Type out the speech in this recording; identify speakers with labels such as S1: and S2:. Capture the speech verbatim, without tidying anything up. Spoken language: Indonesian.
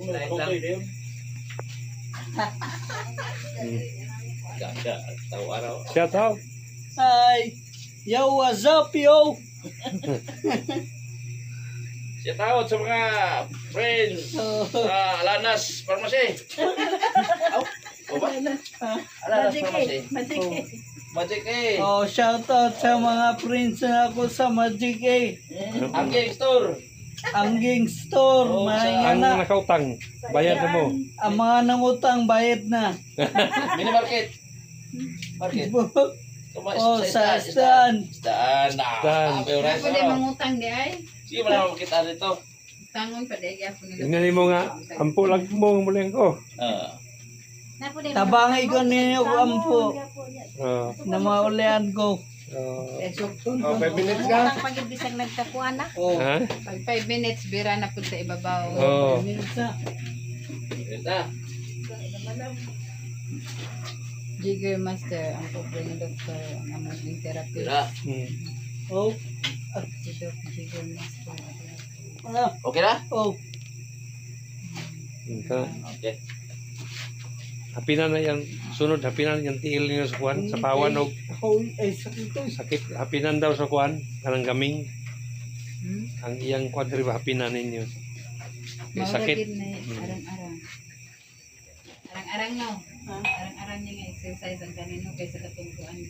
S1: Lain lang. Ganda, tahu araw.
S2: Shout out.
S3: Hi. Yo, what's up, yo?
S1: Shout out sa mga friends sa Alanas Pharmacy. Oh, ba? Alanas Pharmacy. Magic eh.
S3: Oh, shout out sa mga friends na ako sa Magic A.
S1: Angging Store.
S3: Angging Store,
S1: Oh,
S3: mga
S2: Ang
S3: na.
S2: nakautang, bayad na mo.
S3: Ang mga nangutang bayad na.
S1: Mini Market. Market. Tuma,
S3: Oh, sa staan.
S1: Staan.
S2: Staan.
S1: Ah, pero rice,
S4: Pwede
S1: ano?
S4: mangutang di ay.
S1: Sige, wala naman makita dito.
S4: Tangon pa di gyapon nila.
S2: Tingnan mo nga, ampo lang mo muling ko.
S1: Ah.
S3: Tabangay ko ninyo ko ampo
S2: Oh,
S3: na maulian ko.
S2: oh,
S4: Esok.
S2: oh, five minutes ka?
S5: Pag-ibisag nagtakuan na.
S3: Oh,
S2: Ha?
S4: Pag five minutes bira na pud sa ibabaw.
S2: Oh.
S3: minutes na.
S1: Ito.
S4: Jigger master ang pobre ni doktor ang among therapy.
S1: Tira.
S2: Hmm.
S3: Oh,
S4: Si Doc Jigger master.
S3: ano?
S1: Okay na?
S3: Oh,
S2: Ito.
S1: Okay.
S2: Hapinan na yan, sunod hapinan yung tiil niyo sa kuwan, sa pawan o
S3: oh, ay sakit to.
S2: sakit. Hapinan daw sa kuwan, kanang gaming.
S4: Hmm?
S2: Ang iyang kwadri ba hapinan ninyo. Kaya sakit.
S4: Maura gid na arang-arang. Arang-arang no. Arang-arang niya nga exercise ang kanino kaysa katungkuan.